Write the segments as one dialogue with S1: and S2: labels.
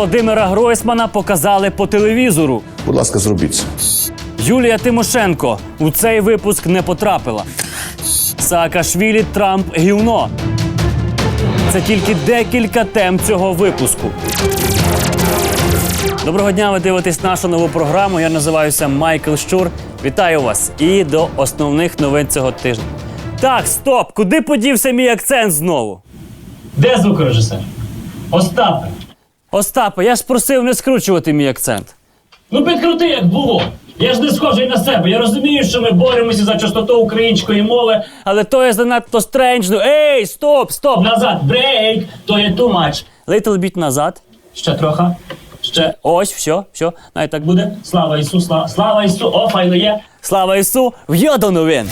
S1: Володимира Гройсмана показали по телевізору.
S2: Будь ласка, зробіть це.
S1: Юлія Тимошенко у цей випуск не потрапила. Саакашвілі, Трамп, гівно. Це тільки декілька тем цього випуску. Доброго дня, ви дивитесь нашу нову програму. Я називаюся Майкл Щур. Вітаю вас. І до основних новин цього тижня. Так, стоп! Куди подівся мій акцент знову?
S3: Де звукорежисер? Остапе.
S1: Остапе, я ж просив не скручувати мій акцент.
S3: Ну підкрути, як було. Я ж не схожий на себе. Я розумію, що ми боремося за чистоту української мови.
S1: Але то є занадто стренджно. Ей, стоп!
S3: Назад, брейк, то є too much.
S1: Little bit назад.
S3: Ще трохи. Ще.
S1: Ось, все. Навіть так буде.
S3: Слава Ісу, слава Ісу. О, файно є.
S1: Слава Ісу! В'йо до новин!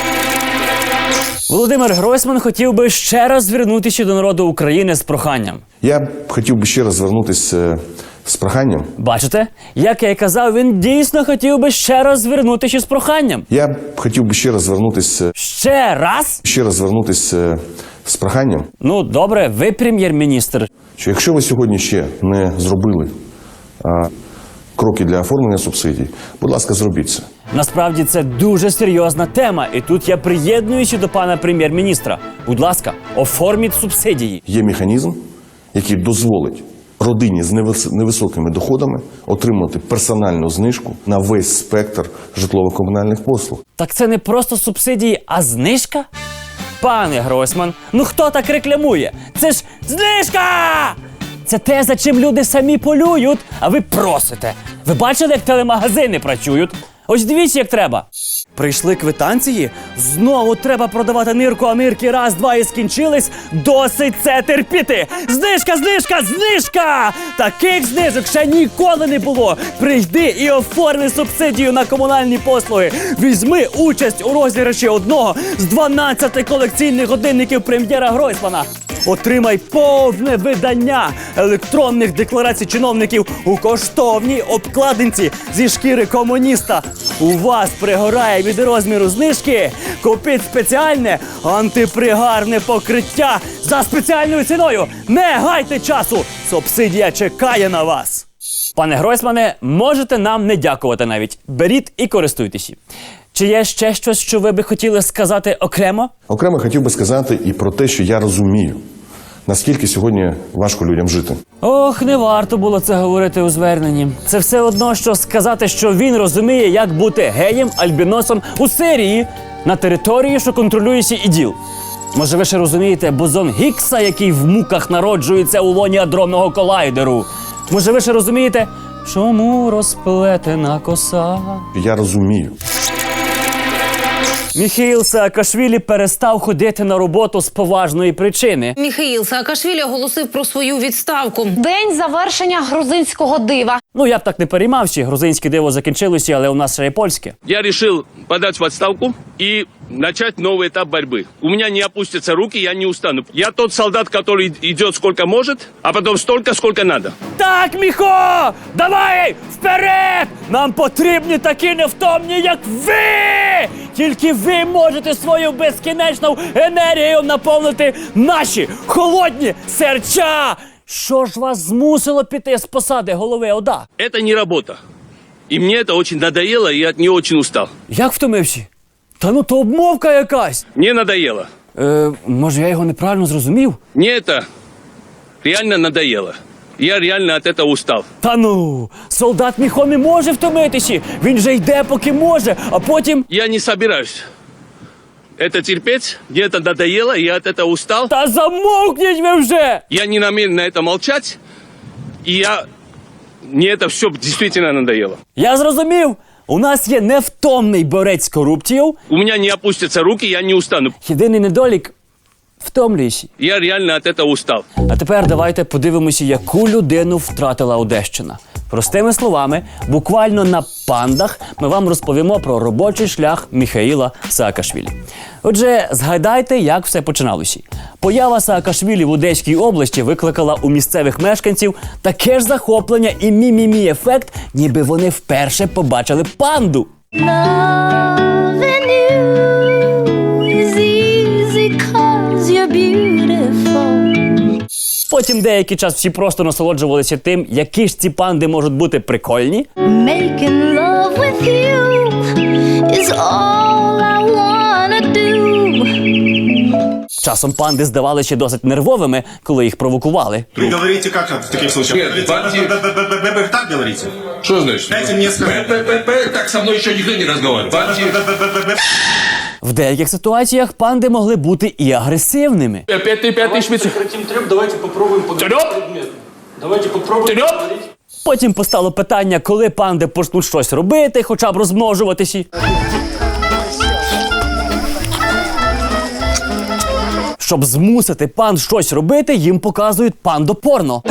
S1: Володимир Гройсман хотів би ще раз звернутися до народу України з проханням.
S2: Я б хотів би ще раз звернутися з проханням.
S1: Бачите? Як я й казав, він дійсно хотів би ще раз звернутися з проханням.
S2: Я б хотів би ще раз звернутися.
S1: Ще раз?
S2: Ще раз звернутися з проханням.
S1: Ну, добре, ви прем'єр-міністр.
S2: Що якщо ви сьогодні ще не зробили кроки для оформлення субсидій, будь ласка, зробіть це.
S1: Насправді це дуже серйозна тема, і тут я приєднуюся до пана прем'єр-міністра. Будь ласка, оформіть субсидії.
S2: Є механізм, який дозволить родині з невисокими доходами отримати персональну знижку на весь спектр житлово-комунальних послуг.
S1: Так це не просто субсидії, а знижка? Пане Гройсман, ну хто так рекламує? Це ж знижка! Це те, за чим люди самі полюють, а ви просите. Ви бачили, як телемагазини працюють? Ось дивіться, як треба. Прийшли квитанції? Знову треба продавати нирку, а нирки раз, два і скінчились. Досить це терпіти! Знижка! Таких знижок ще ніколи не було. Прийди і оформи субсидію на комунальні послуги. Візьми участь у розіграші одного з 12 колекційних годинників прем'єра Гройсмана. Отримай повне видання електронних декларацій чиновників у коштовній обкладинці зі шкіри комуніста. У вас пригорає від розміру знижки. Купіть спеціальне антипригарне покриття за спеціальною ціною. Не гайте часу! Субсидія чекає на вас. Пане Гройсмане, можете нам не дякувати навіть. Беріть і користуйтеся. Чи є ще щось, що ви би хотіли сказати окремо?
S2: Окремо хотів би сказати і про те, що я розумію, наскільки сьогодні важко людям жити.
S1: Ох, не варто було це говорити у зверненні. Це все одно, що сказати, що він розуміє, як бути геєм, альбіносом у Сирії, на території, що контролює іділ. Може, ви ще розумієте бозон Гіггса, який в муках народжується у лоні адронного колайдеру? Може, ви ще розумієте, чому розплетена коса?
S2: Я розумію.
S1: Міхеїл Саакашвілі перестав ходити на роботу з поважної причини.
S4: Міхеїл Саакашвілі оголосив про свою відставку.
S5: День завершення грузинського дива.
S1: Ну, я б так не переймався, грузинське диво закінчилося, але у нас ще є польське.
S6: Я решил подать в отставку и начать новый этап борьбы. У меня не опустятся руки, я не устану. Я тот солдат, который идет сколько может, а потом столько, сколько надо.
S1: Так, Міхо! Давай! Вперед! Нам потрібні такі невтомні, як ви! Тільки ви можете свою безкінечну енергію наповнити наші холодні серця! Що ж вас змусило піти з посади голови ОДА?
S6: Это не работа. И мне это очень надоело, и я не очень устал.
S1: Як втомився? Та ну то обмовка якась.
S6: Мне надоело.
S1: Може я його неправильно зрозумів?
S6: Мне это реально надоело. Я реально от этого устал.
S1: Та ну, солдат Міхо не може втомитися. Він же йде, поки може, а потім...
S6: Я не собираюсь это терпеть. Мне это надоело, я от этого устал.
S1: Та замовкніть ви вже!
S6: Я не намерен на это молчать. И мне это все действительно надоело.
S1: Я зрозумів. У нас є невтомний борець з корупцією.
S6: У меня не опустятся руки, я не устану.
S1: Єдиний недолік – втомлюєшся.
S6: Я реально от этого устал.
S1: А тепер давайте подивимося, яку людину втратила Одещина. Простими словами, буквально на пандах ми вам розповімо про робочий шлях Міхеїла Саакашвілі. Отже, згадайте, як все починалося. Поява Саакашвілі в Одеській області викликала у місцевих мешканців таке ж захоплення і мі-мі-мі-ефект, ніби вони вперше побачили панду. Потім деякий час всі просто насолоджувалися тим, які ж ці панди можуть бути прикольні.
S7: Making love with you is all I wanna do.
S1: Часом панди здавали ще досить нервовими, коли їх провокували.
S8: Вы говорите как в таких случаях?
S9: Нет,
S8: Вы так говорите?
S9: Что значит?
S8: Дайте мне сказать.
S9: Так со мной еще никто не разговаривал.
S1: В деяких ситуаціях панди могли бути і агресивними.
S9: Опять ты пятый шпиц.
S3: Давайте попробуємо поговорити. Давайте попробуємо.
S1: Потім постало питання, коли панди почнуть щось робити, хоча б розмножуватися. Щоб змусити панд щось робити, їм показують пандопорно.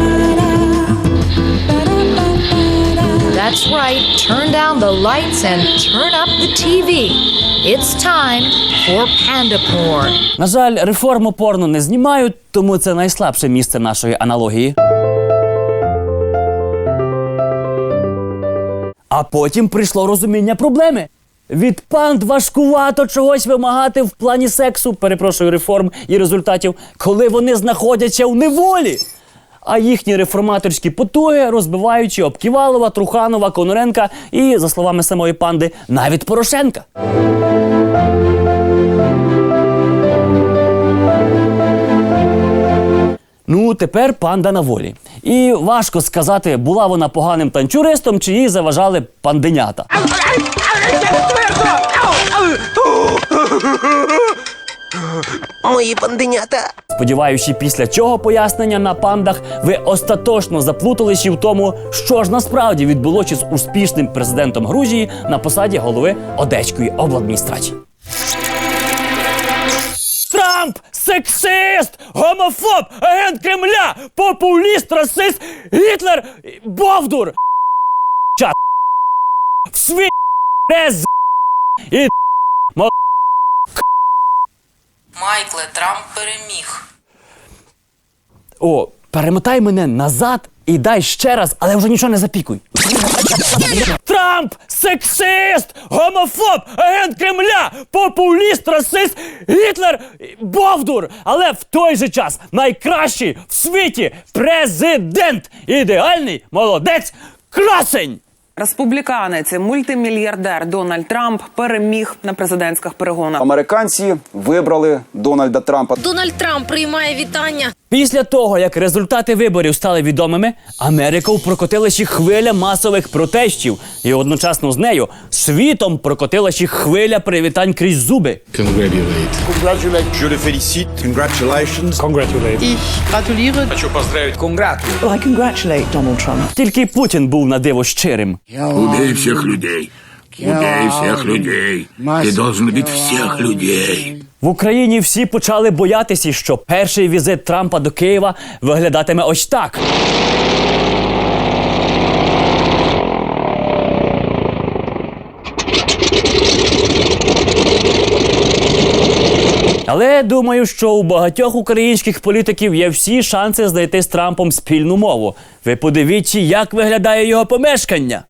S10: That's right. Turn down the lights and turn up the TV. It's time for panda porn.
S1: На жаль, реформу порно не знімають, тому це найслабше місце нашої аналогії. А потім прийшло розуміння проблеми. Від панд важкувато чогось вимагати в плані сексу, перепрошую, реформ і результатів, коли вони знаходяться в неволі. А їхні реформаторські потуги розбиваючи об Ківалова, Труханова, Конуренка і, за словами самої панди, навіть Порошенка. Ну, тепер панда на волі. І важко сказати, була вона поганим танчуристом, чи їй заважали панденята.
S11: Мої панденята.
S1: Сподіваюся, після цього пояснення на пандах ви остаточно заплуталися в тому, що ж насправді відбулося з успішним президентом Грузії на посаді голови Одеської обладміністрації. Трамп! Сексист! Гомофоб! Агент Кремля! Популіст! Расист! Гітлер! Бовдур! Чат! Сві... Рез... І...
S4: Майкле, Трамп переміг.
S1: О, перемотай мене назад і дай ще раз, але вже нічого не запікуй. Трамп! Сексист! Гомофоб! Агент Кремля! Популіст! Расист! Гітлер! Бовдур! Але в той же час найкращий в світі президент! Ідеальний молодець! Красень!
S12: Республіканець, мультимільярдер Дональд Трамп переміг на президентських перегонах.
S13: Американці вибрали Дональда Трампа.
S4: Дональд Трамп приймає вітання.
S1: Після того, як результати виборів стали відомими, Америкою прокотилася хвиля масових протестів. І одночасно з нею світом прокотилася хвиля привітань крізь зуби.
S8: Je le félicite. Congratulations.
S9: Хочу поздравить.
S11: I congratulate Donald Trump.
S1: Тільки Путін був на диво щирим.
S9: Убей всех людей. Убей всех людей. Ты должен убить всех людей.
S1: В Україні всі почали боятися, що перший візит Трампа до Києва виглядатиме ось так. Але думаю, що у багатьох українських політиків є всі шанси знайти з Трампом спільну мову. Ви подивіться, як виглядає його помешкання.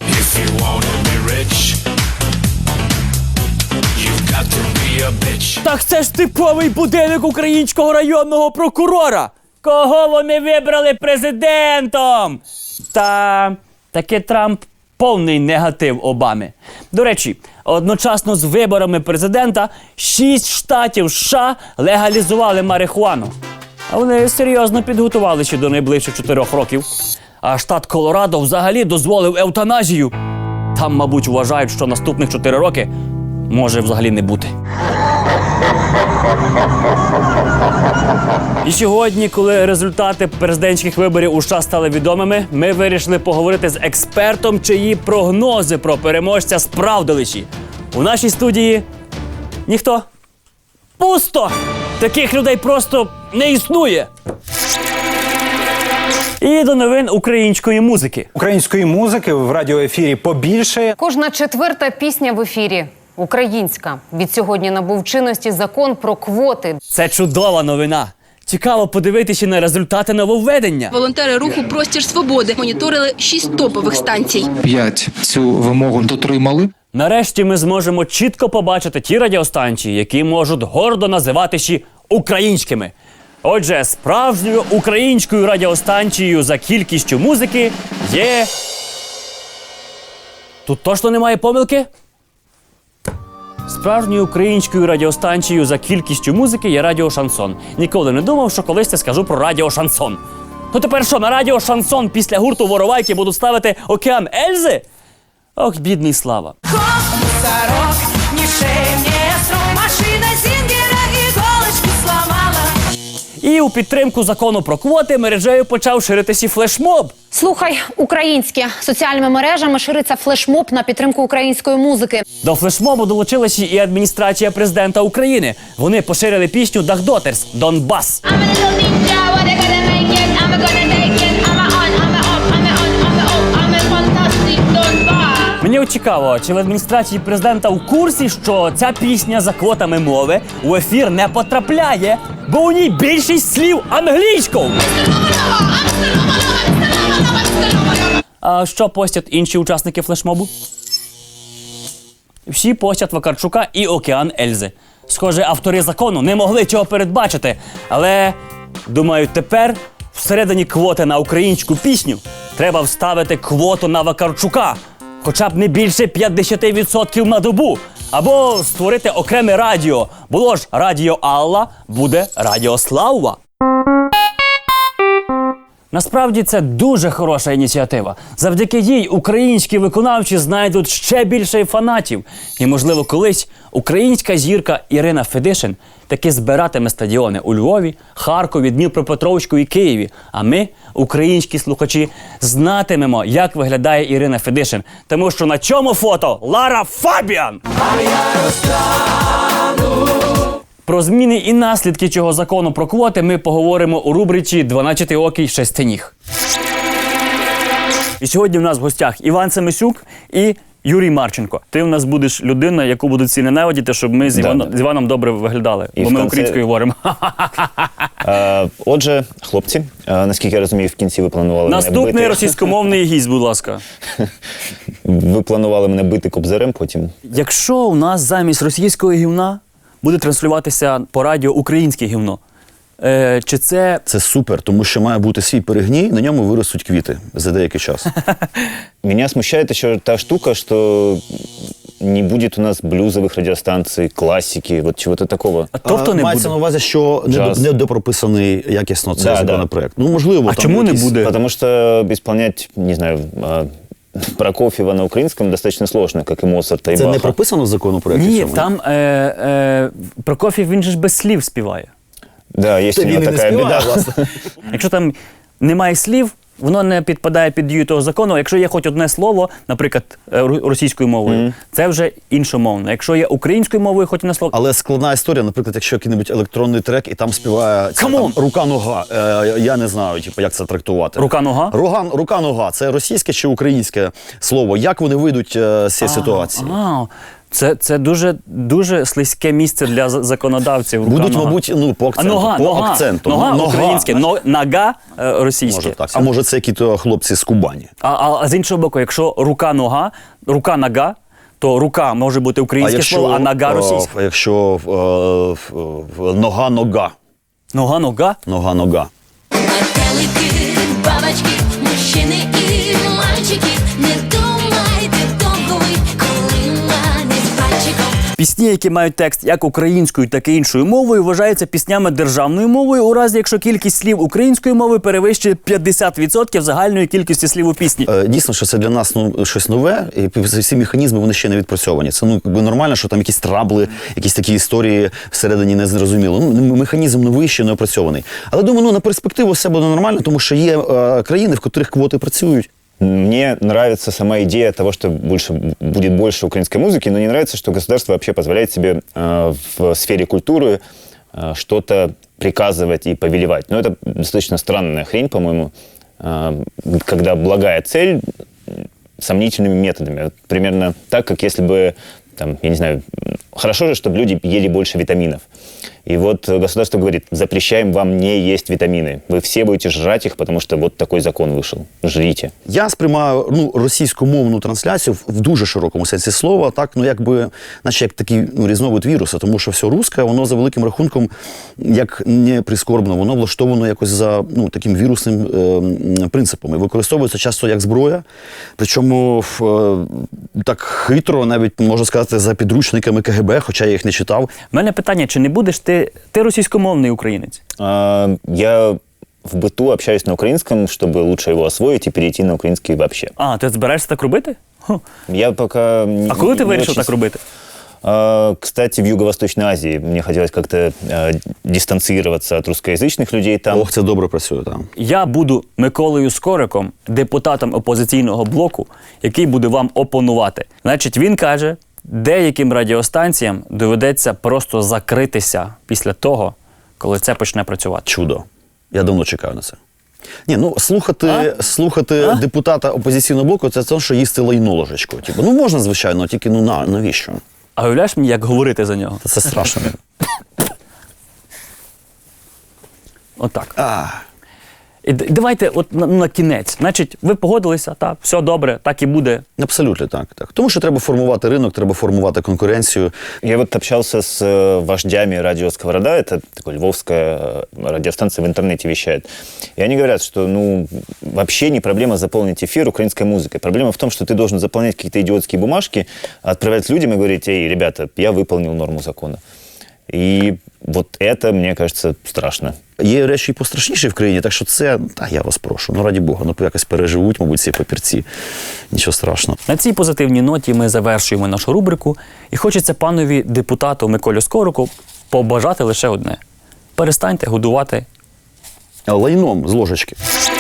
S1: Так це ж типовий будинок українського районного прокурора. Кого вони вибрали президентом? Та таки Трамп повний негатив Обами. До речі, одночасно з виборами президента 6 штатів США легалізували марихуану. А вони серйозно підготувалися до найближчих 4 років. А штат Колорадо взагалі дозволив евтаназію. Там, мабуть, вважають, що наступних 4 роки може взагалі не бути. І сьогодні, коли результати президентських виборів у США стали відомими, ми вирішили поговорити з експертом, чиї прогнози про переможця справдилися. У нашій студії ніхто. Пусто! Таких людей просто не існує. І до новин української музики.
S14: Української музики в радіоефірі побільшає.
S5: Кожна 4-та пісня в ефірі українська. Від сьогодні набув чинності закон про квоти.
S1: Це чудова новина. Цікаво подивитися на результати нововведення.
S15: Волонтери руху «Простір свободи» моніторили 6 топових станцій.
S16: 5 цю вимогу дотримали.
S1: Нарешті ми зможемо чітко побачити ті радіостанції, які можуть гордо називатися українськими. Отже, справжньою українською радіостанцією за кількістю музики є... Тут точно немає помилки? Справжньою українською радіостанцією за кількістю музики є Радіо Шансон. Ніколи не думав, що колись я скажу про Радіо Шансон. Ну тепер що, на Радіо Шансон після гурту Воровайки будуть ставити «Океан Ельзи»? Ох, бідний Слава. І у підтримку закону про квоти мережею почав ширитися флешмоб.
S5: Слухай, українське. Соціальними мережами шириться флешмоб на підтримку української музики.
S1: До флешмобу долучилася і адміністрація президента України. Вони поширили пісню «Дагдотерс» «Донбас». Мені от цікаво, чи в адміністрації президента в курсі, що ця пісня за квотами мови у ефір не потрапляє, бо у ній більшість слів англійською. А що постять інші учасники флешмобу? Всі постять Вакарчука і «Океан Ельзи». Схоже, автори закону не могли цього передбачити, але, думаю, тепер всередині квоти на українську пісню треба вставити квоту на Вакарчука. Хоча б не більше 50% на добу. Або створити окреме радіо. Було ж Радіо Алла, буде Радіо Слава. Насправді це дуже хороша ініціатива. Завдяки їй українські виконавці знайдуть ще більше фанатів. І, можливо, колись українська зірка Ірина Федишин таки збиратиме стадіони у Львові, Харкові, Дніпропетровську і Києві. А ми, українські слухачі, знатимемо, як виглядає Ірина Федишин. Тому що на цьому фото Лара Фабіан! Про зміни і наслідки цього закону про квоти ми поговоримо у рубриці «12-окий шестиніг». І сьогодні в нас в гостях Іван Семисюк і Юрій Марченко. Ти у нас будеш людина, яку будуть всі ненавидіти, щоб ми з Іваном добре виглядали. Бо ми українською говоримо.
S17: Отже, хлопці, наскільки я розумію, в кінці ви планували мене бити.
S1: Наступний російськомовний гість, будь ласка.
S17: Ви планували мене бити кобзарем потім?
S1: Якщо у нас замість російського гівна буде транслюватися по радіо українське гівно, чи це...
S18: Це супер, тому що має бути свій перегній, на ньому виростуть квіти за деякий час.
S17: Меня смущает еще та штука, что не будет у нас блюзовых радиостанций, классики, вот чего-то такого.
S18: Мається на увазі, що не допрописаний якісно цей законопроект. Ну, можливо,
S1: а чому не буде?
S17: Потому что исполнять, не знаю, Прокофьева на українському достатньо сложно, як і Моцарта, і Баха.
S18: Це не прописано в законопроекті?
S1: Ні, там Прокоф'єв, він же ж без слів співає.
S17: Да, є у нього така біда.
S1: Якщо там немає слів, воно не підпадає під дію того закону. Якщо є хоч одне слово, наприклад, російською мовою, це вже іншомовно. Якщо є українською мовою, хоч одне слово...
S18: Але складна історія, наприклад, якщо який-небудь електронний трек, і там співає рука-нога. Я не знаю, як це трактувати.
S1: Рука-нога?
S18: Рука-нога. Це російське чи українське слово? Як вони вийдуть з цієї ситуації?
S1: Це дуже слизьке місце для законодавців.
S18: Будуть, мабуть, по акценту.
S1: Нога українське, нога російське.
S18: Може так. А може це якісь хлопці з Кубані?
S1: А з іншого боку, якщо рука-нога, то рука може бути українське слово, а нога російське.
S18: А якщо нога-нога?
S1: Нога-нога?
S18: Нога-нога.
S7: Метелики, бабочки, мужчини і мальчики, не думайте довго ви, коли манить пальчиком.
S1: Пісні, які мають текст як українською, так і іншою мовою, вважаються піснями державною мовою, у разі якщо кількість слів української мови перевищує 50% загальної кількості слів у пісні.
S18: Дійсно, що це для нас щось нове, і всі механізми вони ще не відпрацьовані. Це нормально, що там якісь трабли, якісь такі історії всередині не зрозуміло. Механізм новий, ще не опрацьований. Але думаю, на перспективу все буде нормально, тому що є країни, в котрих квоти працюють.
S17: Мне нравится сама идея того, что будет больше украинской музыки, но не нравится, что государство вообще позволяет себе в сфере культуры что-то приказывать и повелевать. Но это достаточно странная хрень, по-моему, когда благая цель сомнительными методами. Примерно так, как если бы, там, я не знаю, хорошо же, чтобы люди ели больше витаминов. И вот государство говорит, запрещаем вам не есть витамины. Вы все будете жрать их, потому что вот такой закон вышел. Жрите.
S18: Я сприймаю російськомовну трансляцію в дуже широкому сенсі слова, так, якби, наче як такий різновид віруса, тому що все русське, воно за великим рахунком, як не прискорбно, воно влаштовано якось за таким вірусним принципом. І використовується часто як зброя, причому так хитро, навіть, можна сказати, за підручниками КГБ, хоча я їх не читав.
S1: У мене питання, чи не будеш ти російськомовний українець?
S17: Я в быту общаюсь на украинском, чтобы лучше его освоить и перейти на украинский вообще.
S1: А, ти збираєшся так робити?
S17: Я пока...
S1: А коли ти вирішив так робити?
S17: Кстати, в Юго-Восточной Азии мне хотелось как-то дистанцироваться от русскоязычных людей там.
S18: Ох, це добре працює там.
S1: Я буду Миколою Скориком, депутатом опозиційного блоку, який буде вам опонувати. Значить, він каже, деяким радіостанціям доведеться просто закритися після того, коли це почне працювати.
S18: Чудо. Я давно чекаю на це. Ні, слухати депутата опозиційного блоку – це те, що їсти лайно ложечкою. Можна, звичайно, тільки навіщо?
S1: А уявляєш мені, як говорити за нього?
S18: Це страшно.
S1: Отак. І давайте на кінець. Значить, ви погодилися, так, все добре, так і буде.
S18: Абсолютно так. Тому що треба формувати ринок, треба формувати конкуренцію.
S17: Я вот общался с вождями радио «Сковорода», это такая львовская радиостанция, в интернете вещает. И они говорят, что, вообще не проблема заполнить эфир украинской музыкой. Проблема в том, что ты должен заполнять какие-то идиотские бумажки, отправлять людям и говорить: эй, ребята, я выполнил норму закона. І от це, мені кажеться, страшно.
S18: Є речі і пострашніші в країні, так що це, я вас прошу, раді Бога, якось переживуть, мабуть, ці папірці. Нічого страшного.
S1: На цій позитивній ноті ми завершуємо нашу рубрику. І хочеться панові депутату Миколі Скорику побажати лише одне. Перестаньте годувати
S18: лайном з ложечки.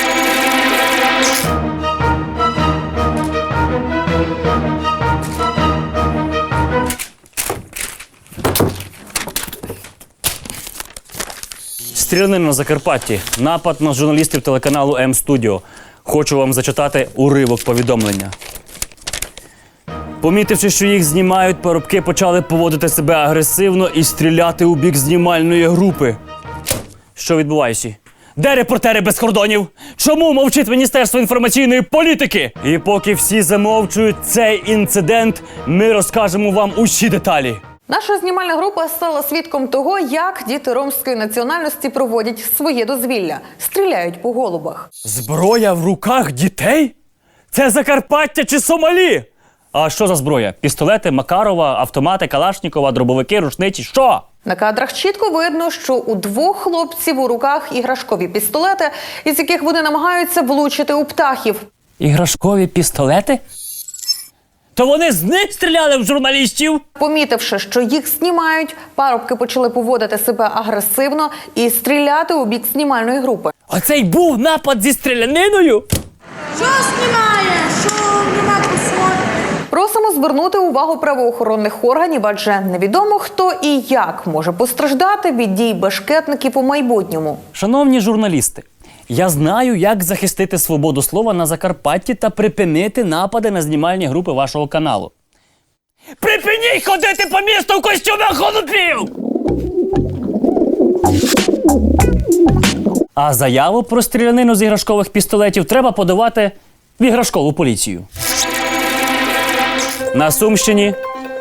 S1: Стрілянина на Закарпатті. Напад на журналістів телеканалу М-Студіо. Хочу вам зачитати уривок повідомлення. Помітивши, що їх знімають, парубки почали поводити себе агресивно і стріляти у бік знімальної групи. Що відбувається? Де репортери без кордонів? Чому мовчить Міністерство інформаційної політики? І поки всі замовчують цей інцидент, ми розкажемо вам усі деталі.
S19: Наша знімальна група стала свідком того, як діти ромської національності проводять своє дозвілля. Стріляють по голубах.
S1: Зброя в руках дітей? Це Закарпаття чи Сомалі? А що за зброя? Пістолети, Макарова, автомати, Калашнікова, дробовики, рушниці? Що?
S19: На кадрах чітко видно, що у двох хлопців у руках іграшкові пістолети, із яких вони намагаються влучити у птахів.
S1: Іграшкові пістолети? То вони з них стріляли в журналістів?
S19: Помітивши, що їх знімають, парубки почали поводити себе агресивно і стріляти у бік знімальної групи.
S1: Оце й був напад зі стріляниною?
S7: Що знімає? Що нема кусок?
S19: Просимо звернути увагу правоохоронних органів, адже невідомо хто і як може постраждати від дій бешкетників у майбутньому.
S1: Шановні журналісти, я знаю, як захистити свободу слова на Закарпатті та припинити напади на знімальні групи вашого каналу. Припиніть ходити по місту в костюмах голубів! А заяву про стрілянину з іграшкових пістолетів треба подавати в іграшкову поліцію. На Сумщині...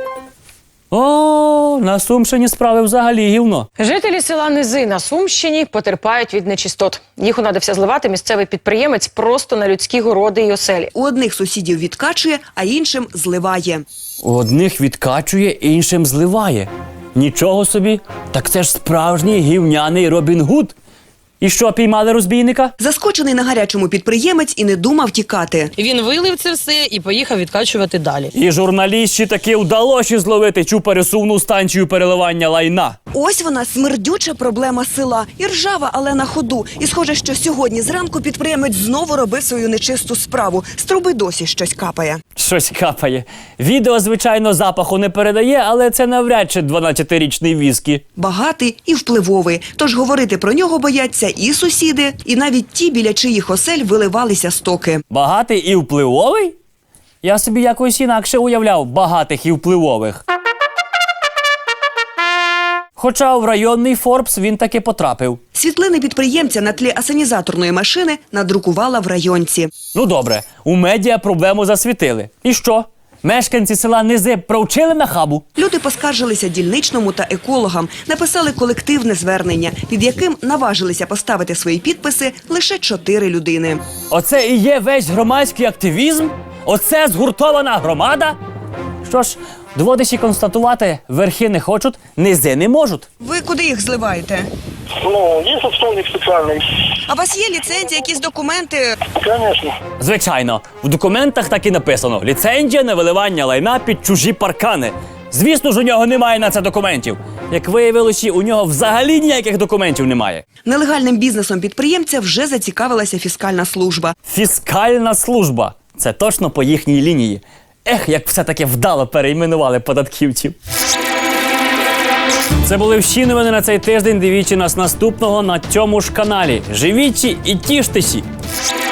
S1: на Сумщині справи взагалі гівно.
S20: Жителі села Низи на Сумщині потерпають від нечистот. Їх унадився зливати місцевий підприємець просто на людські городи й оселі.
S21: У одних сусідів відкачує, а іншим зливає.
S1: У одних відкачує, іншим зливає. Нічого собі, так це ж справжній гівняний Робін Гуд. І що, піймали розбійника?
S21: Заскочений на гарячому підприємець і не думав тікати.
S22: Він вилив це все і поїхав відкачувати далі.
S1: І журналістці таки вдалося зловити цю пересувну станцію переливання лайна.
S21: Ось вона, смердюча проблема села. І ржава, але на ходу. І схоже, що сьогодні зранку підприємець знову робив свою нечисту справу. З труби досі щось капає.
S1: Щось капає. Відео, звичайно, запаху не передає, але це навряд чи 12-річний віскі.
S21: Багатий і впливовий. Тож говорити про нього бояться і сусіди, і навіть ті, біля чиїх осель виливалися стоки.
S1: Багатий і впливовий? Я собі якось інакше уявляв багатих і впливових. Хоча в районний Форбс він таки потрапив.
S21: Світлини підприємця на тлі асанізаторної машини надрукувала в районці.
S1: Ну добре, у медіа проблему засвітили. І що? Мешканці села Низи провчили на хабу?
S21: Люди поскаржилися дільничному та екологам, написали колективне звернення, під яким наважилися поставити свої підписи лише 4 людини.
S1: Оце і є весь громадський активізм? Оце згуртована громада? Що ж, доводиш констатувати, верхи не хочуть, низи не можуть.
S21: Ви куди їх зливаєте?
S2: Ну, є отстойник спеціальний.
S21: А у вас є ліцензія, якісь документи?
S2: Звісно.
S1: Звичайно, в документах так і написано: ліцензія на виливання лайна під чужі паркани. Звісно ж, у нього немає на це документів. Як виявилося, у нього взагалі ніяких документів немає.
S21: Нелегальним бізнесом підприємця вже зацікавилася фіскальна служба.
S1: Фіскальна служба. Це точно по їхній лінії. Ех, як все-таки вдало перейменували податківців. Це були всі новини на цей тиждень. Дивіться нас наступного на цьому ж каналі. Живіть і тіштеся!